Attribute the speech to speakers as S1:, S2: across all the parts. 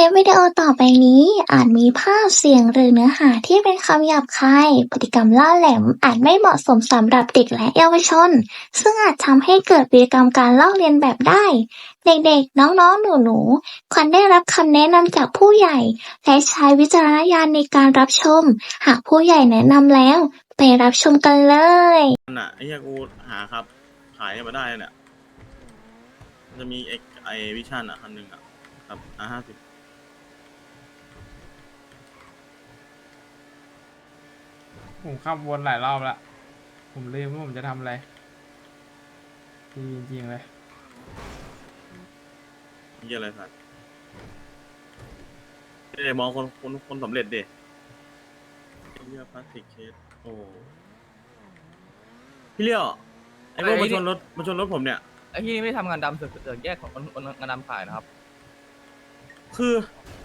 S1: ลิปวิดีโอต่อไปนี้อาจมีภาพ เสียง หรือเนื้อหาที่เป็นคำหยาบคาย พฤติกรรมล่าแหลมอาจไม่เหมาะสมสำหรับเด็กและเยาวชน ซึ่งอาจทำให้เกิดพฤติกรรมการลอกเลียนแบบได้ เด็กๆ น้องๆ หนูๆ ควรได้รับคำแนะนำจากผู้ใหญ่ และใช้วิจารณญาณในการรับชม หากผู้ใหญ่แนะนำแล้ว ไปรับชมกันเลย
S2: น่ะไอ้เหี้ยกูหาครับขายมาได้เนี่ยมันจะมีไอวิชั่นอ่ะคันหนึ่งอ่ะครับ50
S3: ผมขับวนหลายรอบแล้ว ผมลืมว่าผมจะทำอะไรจริงๆเลย
S2: เหี้ยอะไรสัตว์เดี๋ยวมองคนสำเร็จเด็เหี้ยพลาสติกเคสโอ้พี่เลี้ยวไอ้พวกมาชนรถผมเนี่ย
S4: ไอ้ที่ไม่ได้ทำงานดำเสือกแยกของงานดำขายนะครับ
S2: คือ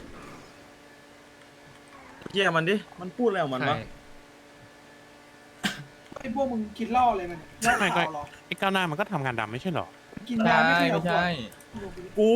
S2: เหี้ยมันดิมันพูดอะไรของมันวะ
S5: ไอ้พวกมึงกินเหล้าอะไรมันเนี่ยเหล้า
S6: ไม่ก็
S5: ขาวเหรอ
S6: ไอ้ก้าวหน้ามันก็ทำงานดำไม่ใช่เหรอ
S5: กิน
S4: ใช่
S5: ยาไม่เคย
S4: ไม่
S5: เอาขว
S4: ใช่
S5: ด
S2: กู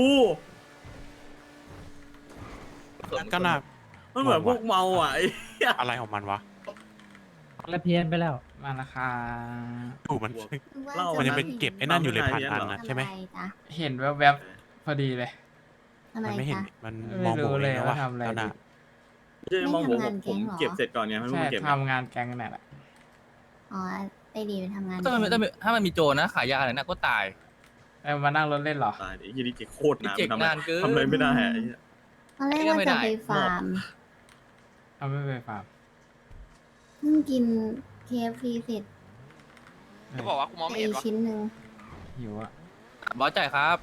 S6: ก้าวหน้า
S2: มันเหมือนพวกเมาอ่ะไอ้เหี้ย
S6: อะไรของมันวะ
S3: และเพี้ยนไปแล้ว มาราคา
S6: ถูกมัน
S2: เล่า
S6: มันยังไปเก็บไอ้นั่นอยู่เลยพันอันนะใช่ไหม
S3: เห็นแวบๆพอดีเลย
S6: มันไม่เห็นมัน
S3: ไม่
S6: มอง
S3: รู้
S6: ผม
S3: เล
S6: เอย งนะว่า
S3: ว่าทำอะไร
S6: ก้าวหน้า
S2: ไม่ใช่มองผมเก็บเสร็จก่อนเนี่ยให้มึ
S3: ใช่
S2: งเก็บเนี่ย
S3: ทำงานแก๊งนั่นแหละ
S7: อ๋อไปดีไปทำงาน
S4: ถ้ามันมีโจรนะขายยาอะไรนะก็ตาย
S3: มานั่งรถเล่นเหรอ
S2: ตายดิไอ้เหี้ยนี่เจ๊โคตรนาน
S4: เจ๊ก
S2: ทำอะไร
S4: นานเกิน
S2: ทำอะไรไม่ได้อะไอ้เหี้ย
S7: ตอนแรกว่าจะไปฟาร์ม
S3: เอาไม่ไปฟาร์ม
S7: เพิ่งกิน KFC เสร็จ
S8: จะบอกว่ากูมอง
S7: ไป
S8: ไม่เห็นวะ
S7: ชิ้นหนึ่ง
S3: หิวอะ
S4: บอสจ่ายครับ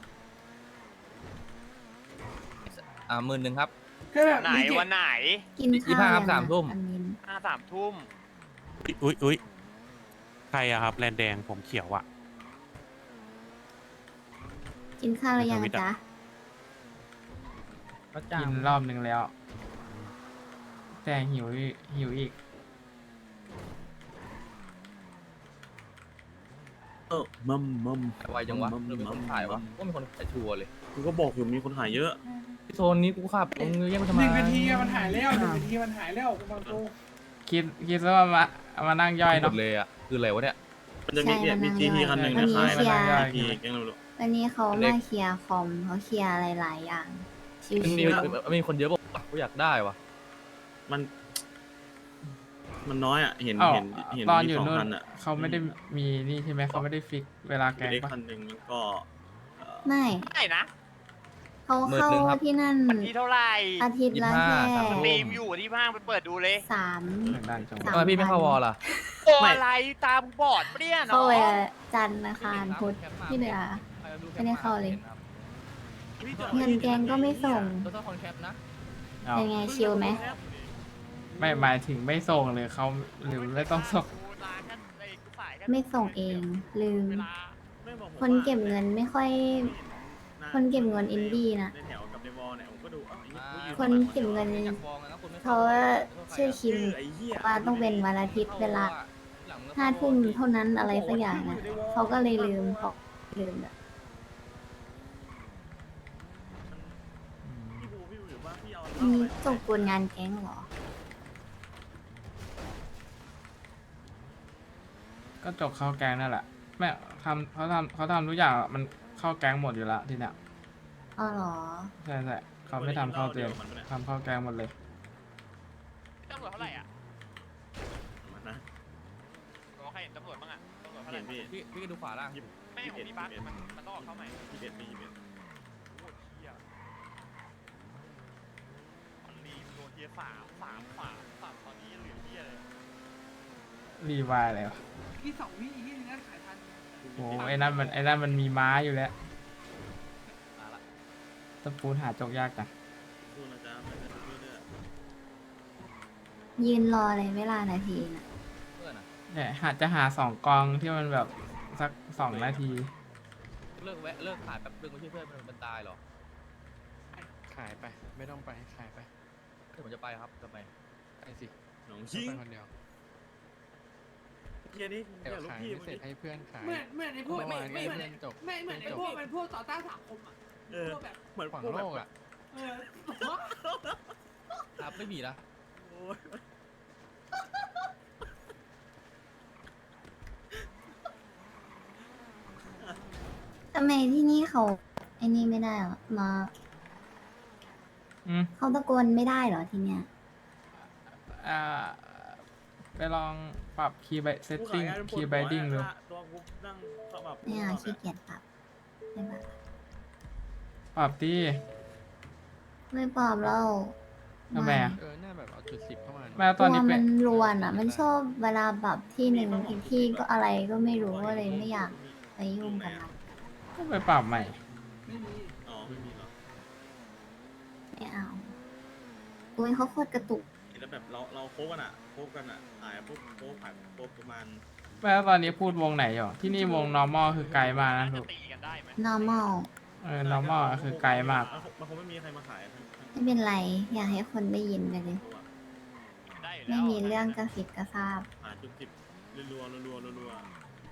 S4: 10,000ครับ
S5: ก็แบบ
S8: ไหน
S5: มีเก็บ
S8: วันไหน
S7: กินข้าว
S4: 25ครับ
S7: ยัง
S4: 3 ทุ่ม
S7: อันนี้
S8: 3 ทุ่ม
S6: อุ้ยใครอะครับแลนแดงผมเขียวอะ
S7: กินข้าวหรือยัง
S6: ทวิตอะ
S7: จ๊ะ
S3: กินรอบนึงแล้ว แต่หิวอีก
S2: มัม
S4: ไวจังวะหรือมีคนขายวะว่ามีคนขายชัวร์เลย
S2: กูก็บอกอยู่มีคนขายเยอะ
S4: โซนนี้กูขับมึงแย่งกูทำไม
S5: 1 นาทีอะมันหายแล้ว1 นาทีมันหายแล้วกูบางตัว
S3: คิดซะว่ามานั่งย่อย
S4: หม
S3: เนาะ
S4: ดเลยอ่ะคืออะไรวะเนี่ย
S2: มันจะมีเนี่ยมีจีทีคันหนึ่งเนี่ย
S7: วัน
S2: ขาย
S7: นี้
S2: นะ
S7: เคลียร์
S2: จีทีแกงเรา
S7: วันนี้เขา
S4: เล็
S7: มาก เคลียร์คอมเขาเคลียร์อะไรหลายอย่าง ชิว
S4: มีคนเยอะบอกกูอยากได้วะ
S2: มันน้อยอ่ะเห็น
S3: อ้าว
S2: เห็น
S3: ตอน
S2: มี
S3: อยู่
S2: 2
S3: นู่น
S2: คันอ่ะ
S3: เขาไม่ได้มีนี่ใช่ไหมเขาไม่ได้ฟิกเวลาแก๊ง
S2: เด็ก
S3: ปะ
S2: คันหนึ่งแล้วก็
S7: ๆไม่
S8: ไหนนะ
S7: เขาเข้าที่นั่น
S8: วันที่เท่าไหร่
S7: อาทิตย์ละแค่
S4: 25
S8: สตรีมอยู่ที่ห้างไปเปิดดูเลย
S7: 3
S3: ทางด้านจังหวัด
S7: สา
S4: ทำไมพี่ไม่เข้าวอลล่ะ
S8: โอ้อะไรตามบอดปะเนี่ย
S7: เข้า
S8: เนาะ
S7: ไปจันทร์อังคารพุธที่เหลือ ไม่ได้เข้าเลย เงินแกงก็ไม่ส่ง
S4: ต้องคอนแคปนะ
S3: เอา
S7: เป็นไงชิลไหม
S3: ไม่หมายถึงไม่ส่งหรือเขาหรือไม่ต้องส่ง
S7: ไม่ส่งเองลืม
S2: ไม่บอกผม
S7: คนเก็บเงินไม่ค่อย คนเก็บเงินอินดี้นะ
S2: ในแถวกับในวอลเนี่ยผมก็ดูอ้าวไอ้เหี้ย
S7: คนเก็บเงินเขาว่าชื่อคิม
S2: ไอ้เหี้ย
S7: ว่าต้องเป็นวันอาทิตย์เวลา5 ทุ่มเท่านั้นอะไรสักอย่างนะเขาก็เลยลืมบอกลืมแบบ
S2: พี่บูหรือว่าพี่เอา
S7: มีส่งกวนงานแก๊งเหรอ
S3: ก็จบเข้าแก๊งนั่นแหละแม่เขาทำทุกอย่างมันเข้าแก๊งหมดอยู่แล้วทีเนี้ย
S7: อ๋อเหรอ
S3: ใช่เขาไม่ทำเข้าเตียงทำเข้าแก๊งหมดเลย
S8: ตำรวจเท่าไหร่อ่ะ
S2: มันนะ
S8: บอกใครเห็นตำรวจบ้างอ่ะตำรวจเท่าไห
S2: เห็
S8: ร่
S2: นพี่
S4: พี่ก็ดูขวาล่าง
S8: ไม่ของพี่บัสมันต้องออกเข้าใหม่
S2: 21ปี21
S8: โคตรเที่ยมันรีโดนเทียสามตอนนี้เหลือเที่ยเลย
S3: รีวายอะไรวะ
S5: ที่2 วิอีกที่นึงนะขายทัน
S3: โอ้ไอ้นั่นมันมีม้าอยู่แล้ว
S4: มาละ
S3: ตะปูนหาจกยากจัง
S2: สู้นะจ๊ะไปกันเรื่อย
S7: ยืนรอเลยเวลานาทีน่ะ
S4: เพื่อนอ่ะ
S3: เนี่ยจะหา2 กองที่มันแบบสัก2 นาที
S4: เลิกขายแป๊บนึงไม่ใช่เพื่อนมันตายหรอ
S9: ขายไป ไม่ต้องไปขายไป
S4: เดี๋ยวผมจะไปครับทำไม
S9: ไปสิ
S2: ๆหนอง
S9: ไป
S2: ยิง
S9: คนเดียว
S2: เฮียนี่
S9: เดี๋ยว
S2: ลูก
S9: ขาย
S2: พี่
S9: ไม่
S2: มึง
S9: เสร็จให้เพื่อนขาย
S5: เหมือนไอ้พวก
S9: เมื่อวาน
S5: ไม่
S9: ให้
S5: เหมือน
S9: เพื่อนจบ
S5: ไม่เหมือนไอ้พวกมันพวกต่อต้านสังคมอ่ะ
S2: เออ
S5: พวกแบบ
S2: เหมือน
S9: ขวาง
S2: พวก
S9: โล
S2: แบบ
S9: กอ่ะ
S4: ครับไม่มีนะ
S2: โอ้ย
S7: ทำไมที่นี่เขาไอ้นี่ไม่ได้เหรอมา
S3: อืม
S7: เขาตะโกนไม่ได้เหรอที่เนี้ย
S3: ไปลองปรับคีย์ไบเซตติ้ง
S2: ผู้ขาย
S3: คีย์ไบดิ้งดู
S2: ตัวกูนั่งเข้าแบบ
S7: ไม่เอาขี้เกียจปรับไม่ปรับ
S3: ปรับที่
S7: ไม่ปรับแล้ว
S3: ทำไมอะ
S9: หน้าแบบเอาจุด10เข้ามา
S3: แม้
S7: ตั
S3: ตอน
S7: ว
S3: นี้เป็
S7: มัน นรวนอ่ะ มันชอบเวลาปรับที่หนึ่งอีกที่ก็อะไรก็ไม่รู้ก็เลยไม่อยากไปยุ่งกับมัน
S3: ก็ไปปรับใหม่
S5: ไม่มี
S2: อ๋อไม่มีหรอ
S7: ไม่เอาอุ้ยเขาโคตรกระตุก
S2: แล้วแบบเราโค้กันอ่ะขายพวกโค้ขายพวกประมาณ
S3: แม้ตอนนี้พูดวงไหนอยู่ ที่นี่วง normal คือไกลมากนะ
S8: จะ
S3: ลูก
S8: ตีกันได้ไหม
S7: normal
S3: normal คือไกลมาก
S2: มันคงไม่มีใครมาขายทั้ง
S7: ไม่เป็นไร อยากให้คนได้ยินไปเลย
S2: ตัว
S8: ได้อยู่แล้ว
S7: ไม่มีเรื่องกระสิบกระซาบ
S2: ขายจุดสิบรัว
S8: ตำรว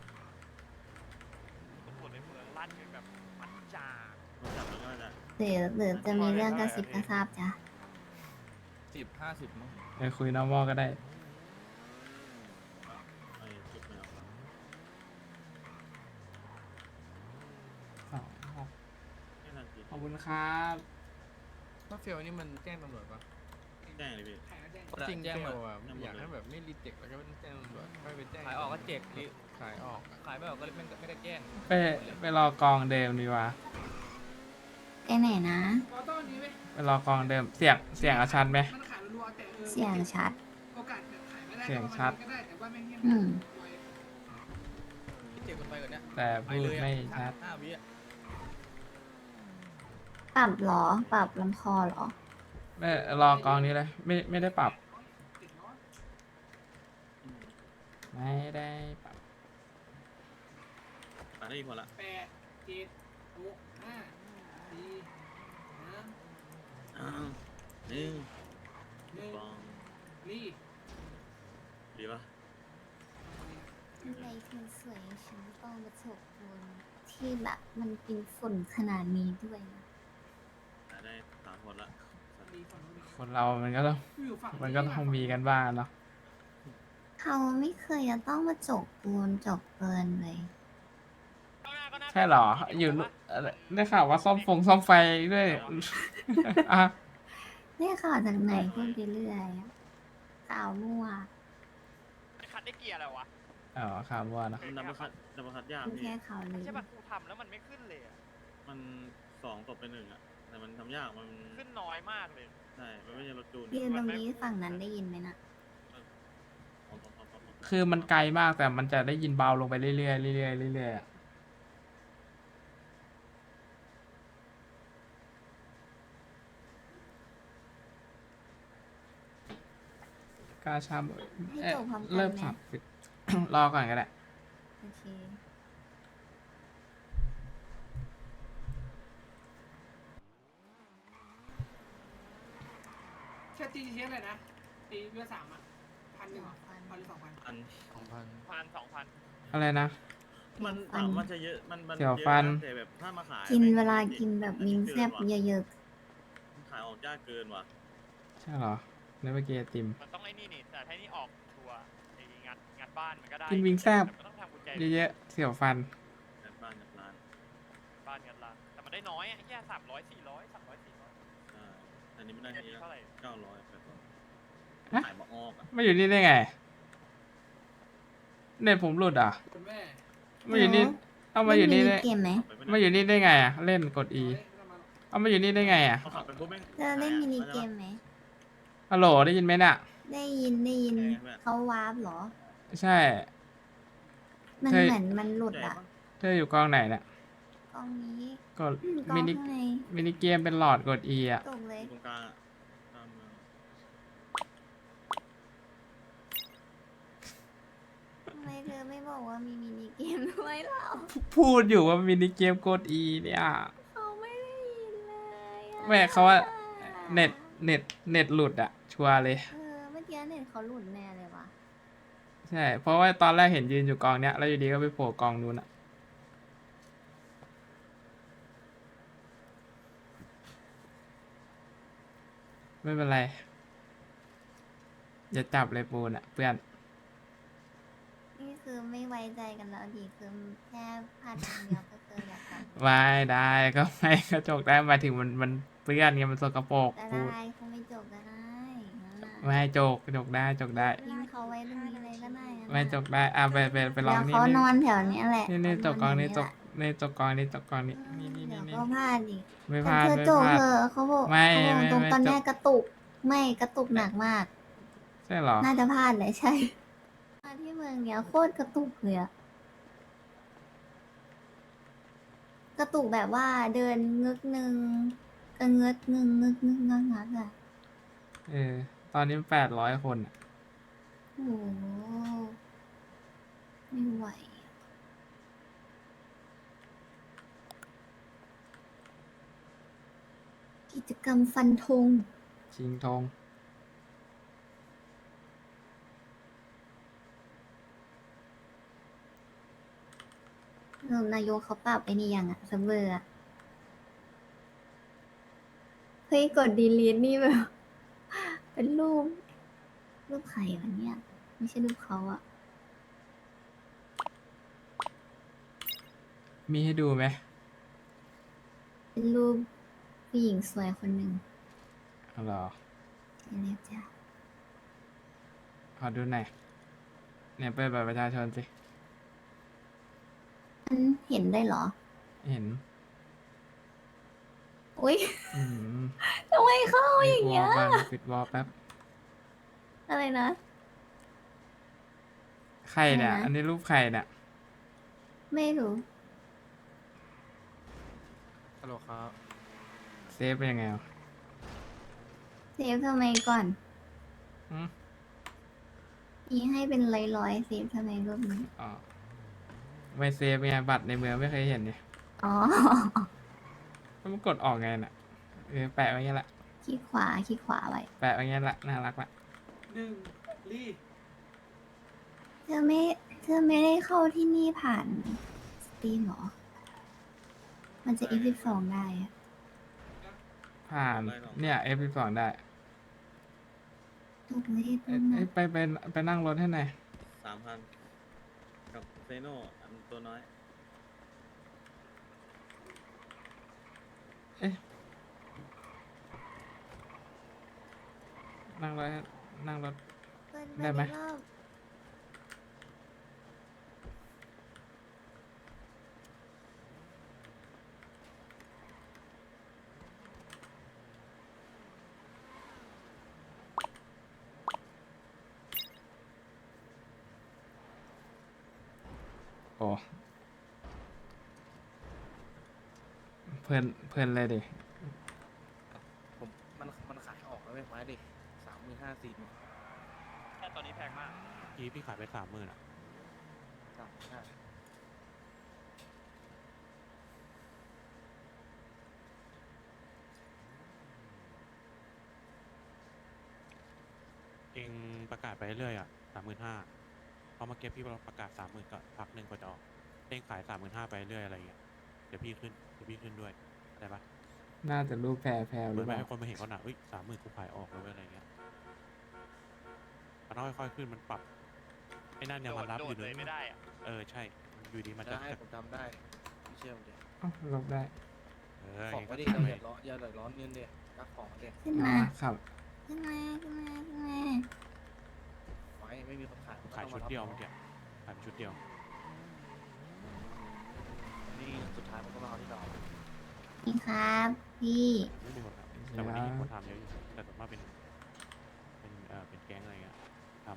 S8: จในเมืองลั่นกันแบบมันจ่า
S2: มันจับมันก็จะ
S7: หรือจะมีเรื่องกระสิบกระซาบจ้ะ
S4: 10-50มั้ง
S3: ไปคุย normal ก็ได้
S2: ไอ้จุดไม่ออก แค่นั้นสิ
S3: ขอบคุณครับ
S9: ถ้าเฟลนี่มันแจ้งตำรวจปะ
S2: แจ้งเลยพี่
S5: ขายแล้วแจ้ง
S9: จริง
S4: แจ้ง
S9: เฟ
S4: มา
S9: ลอ่ะอยากให้แบบไม่รีเจ็คแล้วก็แจ้งตำรวจค่อยไปแจ้ง
S4: ขายออกก็เจ็กหรือ
S9: ขายออก
S4: ขายไม่ออกก็ไม่ได้แจ้ง
S3: ไปรอกองเดิมดีกว่า
S7: ไปไหนนะ
S5: ก็ต้องอันนี้เว้ย
S3: ไปรอกองเดิม เสียงอาชันไหม
S5: มันขายรัวๆแต่
S7: เสียงชัด
S5: โอกาสแบบขายไม่ได้
S3: เสียงชัด
S5: ก็ได้แต่ว่าแม่งเงียบ
S7: อืม
S5: ไว้
S4: เจ็กกันไปก่อนเนี้ย
S3: แต่พูดไม่ชัด
S4: 5 วิอ่ะ
S7: ปรับเหรอ ปรับลำคอเหรอ
S3: ไม่รอกองนี้เลย ไม่ได้ปรับ
S5: ติดร้อน
S3: ไม่ได้ปรับ
S2: ขายได้อีกคนละ
S5: 8 7 6 5 4
S2: อ้าวหนึ่ง
S5: 3
S2: สอง
S5: 1รีบ
S2: ดีปะ
S7: ทำไมคนสวยอย่างฉันต้องมาฉกบนที่แบบมันเป็นฝุ่นขนาดนี้ด้วยนะ
S2: ขายได้3 คนละ
S5: ดีฝั่งนู้นอีก
S3: คนเรามันก็ต้อง
S5: อยู่ฝั่ง
S3: มันก็ต้องมีกันบ้างเนาะ
S7: เขาไม่เคยจะต้องมาจกปูนจกเกินเลย
S3: ใช่เหรอ อยู่ได้ข่าวว่าซ่อมไฟด้วย อ่ะ
S7: เนี่ยข่าวจากไหนพูดไปเรื่อยอะข่าวมั่ว
S8: คัดได้เกียร์อะไรวะ
S3: อ๋อข่าวว่าเนอะ
S2: ดับเบิลคัดยาก
S7: เป็น
S2: พี่
S7: แค่ข่าวลือ
S8: ใช่ป่ะกูทำแล้วมันไม่ขึ้นเลยอะ
S2: มัน2 ตกไป 1อ่ะแต่มันทำยากมัน
S8: ขึ้นน้อยมากเลย
S2: ใช่มันไม่ใช่รถจูน
S7: ยืนตรงนี้ฝั่งนั้นได้ยินไหมนะ
S3: คือมันไกลมากแต่มันจะได้ยินเบาลงไปเรื่อยๆเรื่อยๆเรื่อยๆอะกาชาม
S7: ให้จบพร้อมกันไหม
S3: เริ่มสับ รอก่อนก็ได้
S7: โอเค
S5: แค่ตีเชียอะไรนะตีเพื่อ3อ่ะ1,100เหรอ1,000หรือ2,000
S2: อัน
S8: 1,000-2,000
S3: อะไรนะ
S2: มันมันจะเยอะมัน
S3: เสี่ยวฟัน
S2: เยอะะแต่แบบถ้ามาขาย
S7: กิน
S2: แม่ง
S7: เวลากินแบบมินแซบเยอะ
S2: ขายออกยากเกินว่ะ
S3: ใช่เหรอในเมื่อกี้ไอติม
S8: มันต้องไอ้นี่นี่แต่ถ้านี่ออกทัวร์ไอ้งัดบ้านมันก็ได้
S3: กินวิงแซ่บ
S8: ต่มันต้องทำกุญแจ
S3: เยอะๆเสี่ยวฟัน
S2: กันบ้านกับร้าน
S8: บ้านงัดร้านแต่มันได้น้อยอ่ะแค่300-400
S2: อันนี้ไม่ได้
S8: แค่
S2: ที
S8: นี้
S2: ละ
S8: เท่าไหร่
S2: 900ไปก่อน
S3: ฮะ
S2: ขายมาออกอ่ะ
S3: ไม่อยู่นี่ได้ไง เน็ตผมหลุดอ่ะ
S5: คุณแม่
S7: ๆ
S3: มาอยู่นี่ เอามาอยู่นี่
S7: เล่
S3: ได้
S7: มิเกมไหม
S2: ไป
S3: มาอยู่นี่ได้ไงอ่ะ เล่นกด E เอามาอยู่นี่ได้ไงอ่ะ
S2: เขาขับไปปุ๊บแม่ง
S7: จะเล่นมินิเกมไหม
S3: ฮัลโหลได้ยินไหมเนี่ย
S7: ได้ยินเขาวาร์ปเหรอ
S3: ใช่
S7: มัน
S3: เคย
S7: เหมือนมันหลุด
S2: ใหญ่
S7: อ่ะ
S2: ปะ
S3: เธออยู่กองไหนเนี่ย
S7: กล้องนี้
S3: กด
S7: กล้อง
S3: มินิ
S7: ข้างใน
S3: มินิเกมเป็นหลอดกด E อ่ะ
S7: ตกเลย
S2: อยู่ตรงกลางอ่ะตามเมือง
S7: ทำไมเธอไม่บอกว่ามีมินิเกมด้วยเหรอ
S3: พูดอยู่ว่ามินิเกมกด E เนี่ย
S7: เขาไม่ได้ยินเลยอะ
S3: แม่เขาว่าเน็ตหลุดอ่ะ ชัวร์เลย
S7: เมื่อกี้เน็ตเขาหลุดแน่เลยว่ะ
S3: ใช่ เพราะว่าตอนแรกเห็นยืนอยู่กองเนี้ย แล้วอยู่ดีก็ไปโผล่กองนู้นอ่ะ
S7: เ
S3: ไม่เป็นไรอย่าจับเลยปูนอ่ะเพื่อน
S7: นี่คือไม่ไว้ใจกันแล้วดิคือแค่พลาดครั้งเดียวก็คืออยากกลับ
S3: ไม่ได้ก็ไม่กระจกได้หมายถึงมันเปื้อนไงมันสกปรก
S7: ก็
S3: ปูน
S7: ได้เขาไม่จบก็ได้นั่นน่ะ
S3: ไม่ให้จกจกได้จกได้
S7: ทิ้งเขาไว้ตรงนี้เลยก็ได้นั่นน่ะ
S3: ไม่จกได้ไปลอง
S7: เดี๋ยว
S3: นี่
S7: เขาน
S3: นี่
S7: อนแถวเนี้ยแหละ
S3: นี่จกกองนี่จ
S7: เขา
S3: กนี่จกกองนี่จกกองนี่นี่
S7: เดี๋ยว
S3: นี่
S7: ก็พลาดอีก
S3: ไม่พลาด
S7: เธอ
S3: ไม่
S7: จ
S3: พ
S7: บ
S3: ลาด
S7: เธอเขาบอก
S3: ไม่
S7: เขาบอก
S3: ไม่
S7: ตรง
S3: ไม่
S7: ตอน
S3: จบ
S7: แรกกระตุก ไม่กระตุกหนักมาก
S3: ใช่เหรอ
S7: น่าจะพลาดเลยใช่มาที่เมืองเนี้ยโคตรกระตุกเลยอะกระตุกแบบว่าเดินงึกนึงกระเงึดนึงงึกนึงงักงักอะ
S3: ตอนนี้800 คนอะ
S7: โอ้โหไม่ไหวอะกิจกรรมฟันธง
S3: ชิงทอง
S7: นายกเขาปรับไอ้นี่ยังอะเซิร์ฟเวอร์อะเฮ้ยกดดีลีทนี่แบบ เป็นรูปใครวะเนี่ย ไม่ใช่รูปเขาอะ
S3: มีให้ดูไหม
S7: เป็นรูปผู้หญิงสวยคนหนึ่ง
S3: เอาเหรอ
S7: ใช่เลยจ้ะ
S3: ขอดูหน่อยเนี่ยเปิดบัตรประชาชนสิ
S7: มันเห็นได้เหรอ
S3: เห็น
S7: อุ้ย
S3: อืม
S7: ทำไมเข้าอย่างเงี้ย
S3: ปิดวอลแป๊บ
S7: อะไรนะ
S3: ใครเนี่ย
S7: อะไรนะ
S3: อันนี้รูปใครเนี่ย
S7: ไม่รู้
S9: ฮัลโหลครับ
S3: เซฟเป็นยังไงวะ
S7: เซฟทำไมก่อน
S3: อืม
S7: มีให้เป็นร้อยๆเซฟทำไมรูปนี้
S3: อ๋อไม่เซฟไงบัตรในเมืองไม่เคยเห็นเนี่ย
S7: อ๋อ
S3: แล้วมันกดออกไงน่ะแปะไว้งี้แหละ
S7: ขี้ขวาไว้
S3: แปะไว้งี้แหละน่ารักละ
S5: ลี่
S7: เธอไม่ได้เข้าที่นี่ผ่านสตรีมเหรอ มันจะ F12 ได้อะ
S3: ผ่านเนี่ย F12 ได้
S7: ถูกไม่ได้
S3: เอ้
S7: ต้
S3: ย
S7: น
S3: เอ้
S7: นะ
S3: ยไปนั่งรถให้หน่อย
S2: 3,000กับเซโนอันตัวน้อย
S3: นั่งรถนั่งรถ
S7: เปิด
S3: ได้ไหม
S7: อีกรอบ
S3: โอ้เพลินเลยดิ
S9: ผมมันขายออกแล้วไม้ดิ35,000 40,000
S8: แค่ตอนนี้แพงมาก
S6: พี่ขายไป30,000อ่ะ
S9: 35,000
S6: เองประกาศไปเรื่อยอ่ะ35,000พอมาเก็บพี่ประกาศ30,000ก็พักหนึ่งก็จะออกเองขาย35,000ไปเรื่อยอะไรเงี้ยเดี๋ยวพี่ขึ้นด้วยได้ปะ
S3: น่าจะรูปแพรห
S6: เห
S3: รื
S6: มือ
S3: อน เป
S6: ไม่
S3: ล่า
S6: ให้คนมาเห็นก็หนัก30,000กูขายออกเลยอะไรเงี้ยมันต้องค่อยๆขึ้นมันปรับไอ้นั่นยังมันรับอยู่
S8: โดดเลยไม่ได้อะ
S6: ใช่อยู่ดีมันจะ
S9: ได้ผมจำได้ไม่เชื่อผมเดี๋ยว
S3: อ้าวลบได้
S9: ของก็
S6: ก็
S9: ดี
S6: ทำ
S9: เรา
S6: ไป
S9: อย่าเดือดร้อนเงินเดี๋ยวรักของเดี๋ยว
S7: ขึ้น
S3: อ่า
S7: มา
S3: ครับ
S7: ขึ้นมา
S9: ไว้ไม่มีคนขาย
S6: ขายชุดเดียวเมื่อกี้ขายเป็นชุดเดียว
S9: นี่สุดท้ายมันก็มาเอาที่เรา
S7: นี่ครับ พี่
S6: ไม่มีคนทำแต่วันนี้เห็นคนทำเยอะอยู่แต่ส่วนมากเป็นแก๊งอะไรเงี้ยท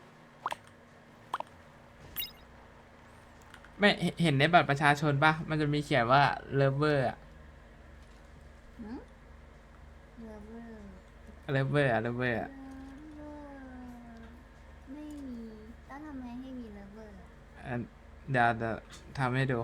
S3: ไม่เห็นในบัตรประชาชนปะมันจะมีเขียนว่าเลเวอร์อะ
S7: เลเวอร์
S3: เลเวอร์อะเลเวอร์อะ
S7: ไม่มีแล้วทำไมให้มีเลเวอร์
S3: อันเดี๋ยวทำให้ดู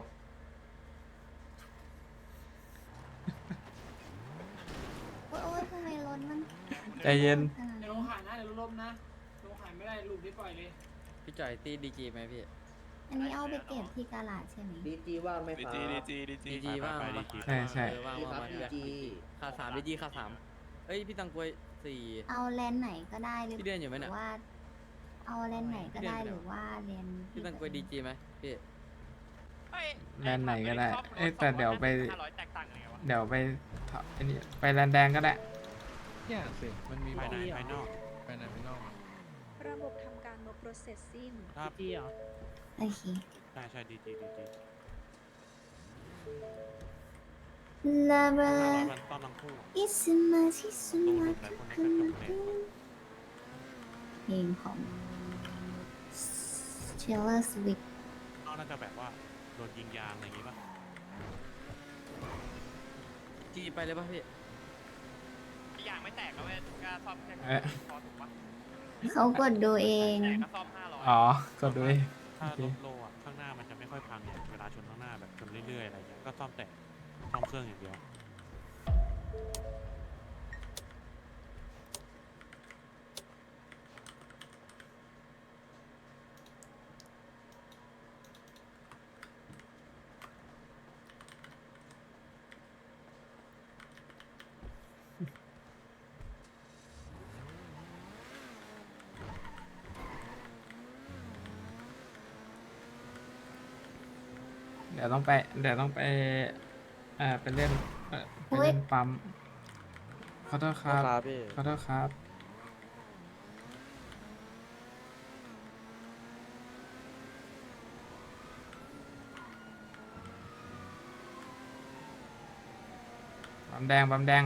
S7: โอ๊ยทำไมรถมัน
S3: ใจเย็น
S7: ขนาด
S5: เดี๋ยวล
S7: นี้
S5: งขายนะเดี๋ยวลบนะลงขายไม่ได้ลูกที่ปล่อยเลย
S9: พี่จ่อยตีดีจีไหมพี่
S7: อันนี้เอาไปเก็บที่กาลาดใช่ไหม
S10: ดีจีว่างไหมครับ
S9: ดีจีว่าง
S6: ไป
S9: มา
S6: ดีจี
S3: ใช่ใช่
S9: ว่าง
S10: พี่ครับ
S9: มา
S10: ดีจี
S9: ขา3ดีจีขา3เอ้ยพี่ตังกวยเซ
S4: 14
S7: เอาแลนด์ไหนก็ได้หรือ
S4: พี่เรียนอยู่ไหม
S7: ห
S4: เนี่
S7: รื
S4: ย
S7: อว่า เอาแลนด์ไหนก็ได้
S4: พี่เรียนอยู่ไหน
S7: หรือว่าแลนด์
S4: พี่ตังกวยดีจีไหมพี่
S3: แลนด์ไหนก็ได้เอ้ยแต่เดี๋ยวไป
S8: 500แตกต่างกันไงวะ
S3: เดี๋ยวไปอันนี้ไปแลนด์แดงก็ได้
S9: เนี่ยสิมันมี
S6: ภายในภายนอก
S9: ภายในภายนอก
S10: ระบบทำการลบ processing
S6: ถ้า
S5: ที่เหรอ
S7: โอเค
S6: ใช่ดีจี
S7: Lover
S6: มันต้องทั้งคู่
S7: is much is
S6: ตู้หลุ
S7: much
S6: มหลายคนไม่เคยจบเลย
S7: เพลงของ Taylor Swift
S6: นอกน่าจะแบบว่าโดนยิงยางอะไรอย่างงี้ป่ะ
S4: จีไปเลยป่ะพี่
S8: ยางไม่แตกก็เว้ยก็ซ่อมแค่
S3: เอ๊ะ
S8: พอถูกปะ
S7: เขากดดูเอง
S8: แตกก็ซ่อม500
S3: อ๋อ ก็ด้วย
S6: ถ้ารถโลอ่ะข้างหน้ามันจะไม่ค่อยพังเนี่ยเวลาชนข้างหน้าแบบชนเรื่อยๆอะไรอย่างเงี้ยก็ซ่อมแต่ซ่อมเครื่องอย่างเดียว
S3: เดี๋ยวต้องไปไปเล่นไปเล่นปั๊มขอโทษครับขอโทษครับปั๊มแดงปั๊มแดง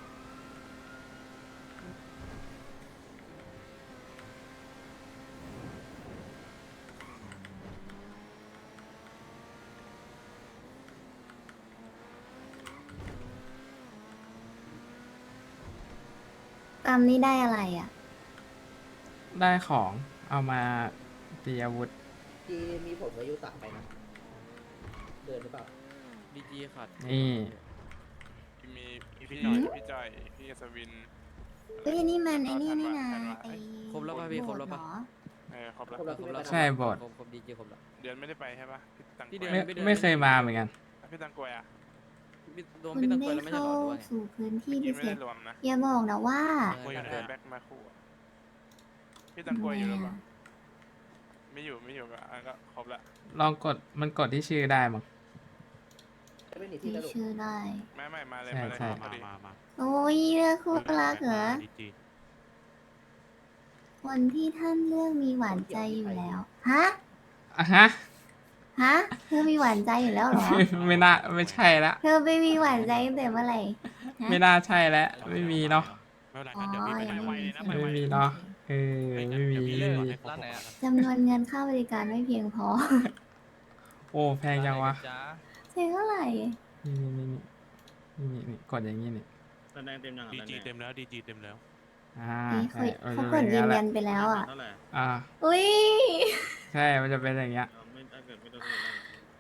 S7: ตามนี้ได้อะไรอ่ะ
S3: ได้ของเอามาตีอาวุธ
S9: ที่มีผลอายุต่างไปนะเดินหรือเปล่า
S4: ดีจีขาด
S3: นี่
S8: มีพี่หน่อยพี่จอยพี่สวิน
S7: เฮ้ยนี่มันไอ้นี่นี่นะไอ้
S4: ครบแล้วป่ะพี่ครบแล้วป่ะ
S7: โหดเหอ
S8: ครบแล้ว
S9: ครบแล้ว
S4: ครบแล้ว
S3: ใช่บท
S4: ครบดีจีครบแล้ว
S8: เดือนไม่ได้ไปใช่ปะพี่ตัง
S4: พี่เดือน
S3: ไม่เคยมาเหมือนกัน
S8: พี่ตังกวยอ่ะ
S4: โดน
S7: คุณ
S4: พี่ตังก
S7: ได้
S4: วยแล้วไม่ใช่
S7: เข้า
S4: หรอหรือว่าไง
S7: สู่พื้นที่
S8: พี่
S7: พิ
S8: ไม่
S7: เศ
S8: ได้
S7: ษ
S8: รวมนะ
S7: อย่าบอกนะว่า
S6: กล้วยอยู่ไหน
S8: เดิน
S6: อะ
S8: แบ็คมาคู่อะพี่ตังกวยอยู่หรือเปล่า
S7: ทำไมอะ
S8: ไม่อยู่ก็ก็ครบละ
S3: ลองกดมันกดที่ชื่อได้มั้ง
S9: ไม่มีที่
S7: มี
S9: ตลก
S7: ชื่อได้
S8: ไม่มาเลย
S3: ใช่
S8: มาเลย
S3: ใช่
S8: พอดี
S6: มา
S7: โอ้ยเลือกคู่รักเหรอ
S6: ดีจี
S7: คนที่ท่านเลือกมีหวานใจอยู่แล้ว ฮะ
S3: อ่ะฮะ
S7: ฮะ เธอมีหวานใจอยู่แล้วเหรอ
S3: ไม่น่าไม่ใช่ละ
S7: เธอไปมีหวานใจตั้งแต่เมื่อไหร่ฮะ
S3: ไม่น่าใช่แล้วไม่มีเนาะ
S6: ไม่เป็นไร
S7: อ๋อ
S6: งั้นเดี๋ยวพี่ไป
S7: ยัง
S6: ไหน
S7: ไม่มี
S3: ไม่มีเนาะเออไม่มี
S6: เดี๋ยวพี่เล่นก่อนให้ครบ
S4: ร้านไหนอะ
S7: จำนวนเงินค่าบริการไม่เพียงพอ
S3: โอ้แพงจังวะ
S4: จ้า
S7: ใช่เท่าไหร่
S3: นี่กดอย่างนี้นี่
S2: แลนด์แดงเต็มยังอ่ะ
S6: ดี
S2: แลนด์
S6: จี
S2: แด
S6: เต็
S2: ง
S6: มแล้วดีจีเต็มแล้ว
S7: นี่
S3: ใช่
S7: เขากดยืนยันไปแล้วอ่ะ
S2: เท่าไหร่
S3: อ่า
S7: อุ้ย
S3: ใช่ มันจะเป็นอย่างเงี้ย
S2: ไม่ถ้าเกิดไม่ต้องเท่าไหร่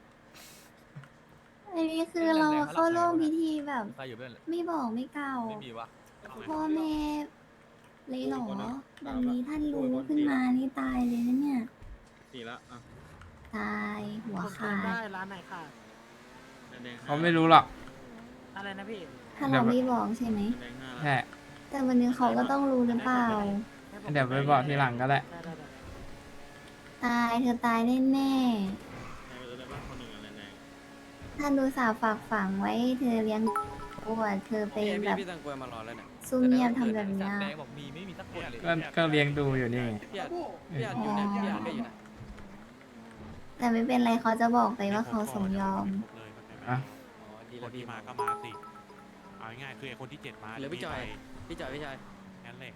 S7: อันนี้คือเราเข้าร่วมพิธีแบบ
S4: ใครอยู่เป็น
S7: ไม่บอกไม่กล่าว
S4: ไม่มีวะ
S7: พ่อแม่เลยเหรอแบบนี้ท่านรู้ขึ้นมานี่ตายเลยนะเนี่ย
S2: สี่ละอ่ะ
S7: ตายหัว
S5: ผม
S7: ขา
S5: ได้
S7: ด
S5: ร้านไหนค่ะ
S2: แลนด์แดง
S3: เขาไม่รู้หรอก
S5: อะไรนะพี่
S7: ถ้าเราไม่บอกใช่ไหม
S2: แลนด์แดงห้าละ
S3: แค่
S7: แต่วันนี้เขาก็ต้องรู้หรือเปล่า
S3: เดี๋ยวไปบอกทีหลังก็ได้
S5: ได้
S7: ตายเธอตายแน่
S2: ใครไปตัวได้บ้างคนหนึ่งอ่ะแลนด์แดง
S7: ๆท่านดูสาฝากฝังไว้ให้เธอเลี้ยงตัวเธอไป
S4: พี่
S7: แบบ
S4: พี่ตังกวยมารอแล้วเนี่ย
S7: ซุ่มเงียบทำแบบเนี้ย
S4: แดงบอกมีไม่มีสักคนเลย
S3: ก็เลี้ยงดูอยู่นี่ไง
S4: พี่อาจอยู่เนี่ยพี่อาจก็อยู่นะ
S7: แต่ไม่เป็นไรเขาจะบอกไปว่าเขาสมยอม
S6: เลยมันไม่
S3: อ่ะ
S4: อ๋อดี
S6: ค
S4: แล้ว
S6: น
S4: พี่
S6: ที่มาก็มาสิเอาง่ายๆคือไอ้คนที่7มา
S4: เหลือพี่จอย พี่จอยพี่จอย
S6: งั้นเลย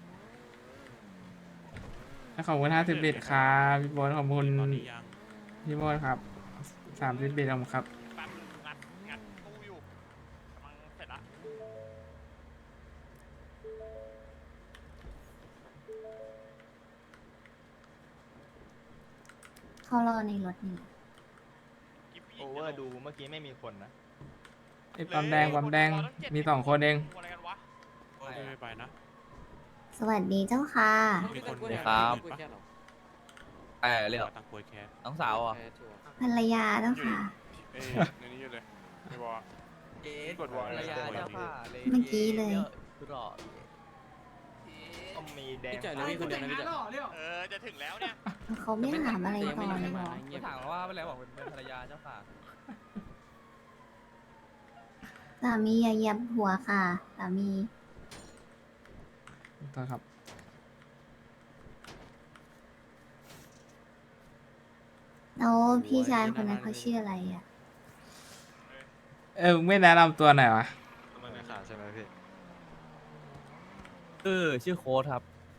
S3: ขอบคุณ50 บิตครับพี่โบนขอบคุณ
S6: ตอนนี้ยัง
S3: พี่โบนครับ30 บิตขอบคุณครับ
S8: แป๊บนึงงัดตู้อยู่กำลังเสร็จละ
S7: เขารอในรถนี่
S8: โอเวอร์ดูเมื่อกี้ไม่มีคนนะ
S3: ไอ้ปั๊มแดงมี2 คนเอง
S8: อะไรกันวะ
S6: ไม่ไปนะ
S7: สวัสดีเจ้าค่ะ
S6: มีคน
S4: ครับ
S6: ปะ
S4: เรียก
S6: ตังกวยแคส
S4: น้องสาวอ่ะ
S7: ภรรยาเจ้าค่ะ
S8: เอ้ยในนี้อยู่เลยไม่บอก
S4: เอ๊
S8: กดวอล
S4: ภรรยาเจ้าค่ะ
S7: เมื่อกี้เลย
S4: รอ
S8: มีแดง
S9: พี่จ่ายเลยพี่คนเดียวนะพี่จ่าย
S5: หล่อเรียว
S8: จะถึงแล้วเนี่ย
S7: เขาไม่ถามอะไรต่อเลยเหรอ
S4: ไม่ถามว่าเป็นอะไรบอกเป็นภรรยาเจ้าค่ะ
S7: สามีอย่าเหยียบหัวค่ะสามี
S3: โทษครับ
S7: แล้วพี่ชายคนนั้นเขาชื่ออะไรอ่ะ
S3: มึงไม่แนะนำตัวหน่อยวะ
S6: ไม่ขาดใช่ไหมพี่
S4: ชื่อโค้ดครับ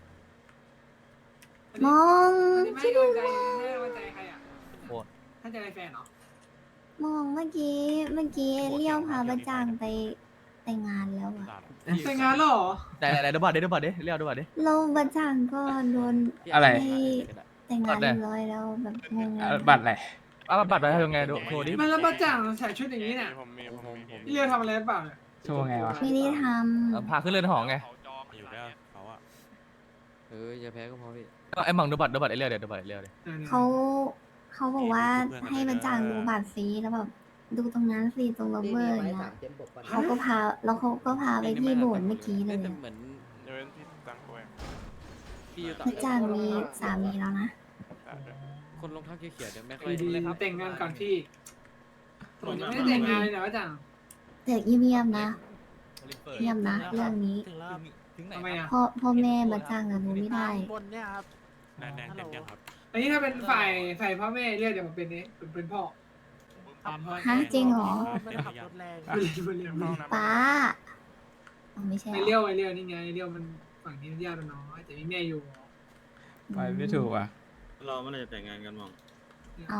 S7: มอง
S5: ไม่ให้กำลังใจให้กำลังใจใครอ่ะ
S4: โค้ด
S5: ให้ใจแฟนเหรอ
S7: มองเมื่อกี้เลี้ยวพาประจางไปแต่งงานแล้วอ่ะ
S5: แต่งงานแล้วเหรอ
S4: ไหนดูบัตรดิเรียกดูบัตรดิ
S7: เราประจางก็โดน
S3: อะไร
S7: ให้แต่งงานเรียบร้อยแล้วแบบงง
S3: บัตรอะไร
S4: บัตรไปทำไงดูโทรดิ
S5: มันแล้วประจ่างใส่ชุดอย่างนี้เนี่ย
S6: ผมมี
S5: พี่เรียวทำอะไรหรือเปล่าเนี่ย
S3: โชว์ไงวะ
S7: ไม่ได้ท
S4: พาขึ้นเรือนหอไง
S6: อยู่แล้วเขาอะ
S9: อย่าแพ้ก็พอพี่
S4: ไอ้หมังดูบัตรเรียกเดี๋ยวดูบัตรเรียกเดี๋ยว
S7: ำเขาบอกว่าให้ประจางดูบัตรซีแล้วแบบดูตรงนั้นสิตรงล็อบเบอร์อย่างเงี้ยเขาก็พาไปที่โบสถ์เมื่อกี้เลยอะ
S9: เหมือน
S6: เดี๋ยวพี่ตั้งตัวเอง
S9: พี่อยู่ต่
S7: ประจางมีสามีแล้วนะ
S9: คนรองเท้าเขียวๆเดี๋ยวไม่ค่อย
S5: ดีๆแต่งงานก่อนพี่ผมยังไม่ได้แต่งงานเลยนะประจ่าง
S7: แต่เงียบๆนะเงียบนะเรื่องนี้
S4: ถึงไหน
S5: ทำไมอ่ะ
S7: พ่อแม่ประจางอะรู้ไม่ได้
S8: บนเนี่ยครับ
S6: แดงเต็มยังครับ
S5: อันนี้ถ้าเป็นฝ่ายพ่อแม่เรียกเดี๋ยวผมเป็นนี้เป็นพ่อ
S7: ฮะจริงเหรอ
S6: ไม่ขับรถแรง
S5: เรียก
S7: ป้าอ๋อไม่ใช่เหร
S5: ไอ
S7: อ
S5: เรียวนี่ไงไอเรียวมันฝั่งนี้ญาติมันน้อยแต่มีแม่อยู่
S3: ไปไม่ถูกอ่ะ
S2: เราไม่ได้จะแต่งงานกันมอง
S7: เอา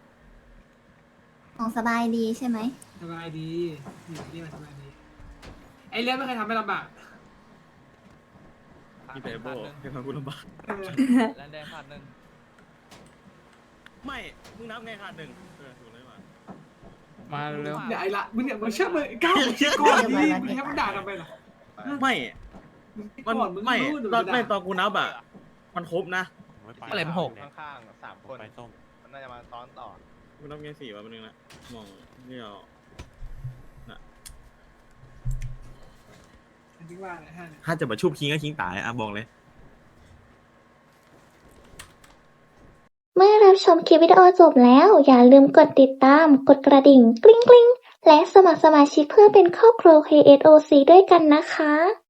S7: ของสบายดีใช่ไหม
S5: สบายดีอยู่ที่มันสบายดีไอเรียวไม่เคยทำให้ลำบาก
S2: พี่แต่โบ้ให้มาพูดลำบาก
S4: แลนแดงขาดหนึ่ง
S2: ไม่มึงนับไงขาดหนึ่งถูกเลยว่ะ
S3: มาเร็ว
S5: เดี๋ยวไอ้ละมึงเนี่ยมึงเชื่อมึงก้าวเชื่อก่อนดิมึงให้มันด่าทำไมล่ะ
S2: ไม่
S5: ก่
S2: มัน
S5: อนมึง
S2: ไม่
S5: รู้
S2: ตอนไม่ตอนกูนับอ่ะมันครบนะ
S4: อะไรเป็นหก
S8: ข้างๆ3 คน
S6: ไปส้ม
S8: มันน่าจะมาซ้อนต่อ
S2: กูนับไง4วะมันนึงนะมองเรียว
S5: คิดว่าอะไรฮะ
S2: ถ้าจะมาชุบคิงก็คิงตายอ่ะบอกเลย
S1: เมื่อรับชมคลิปวิดีโอจบแล้ว อย่าลืมกดติดตาม กดกระดิ่ง กริ๊งๆ และสมัครสมาชิกเพื่อเป็นครอบครัว KSOC ด้วยกันนะคะ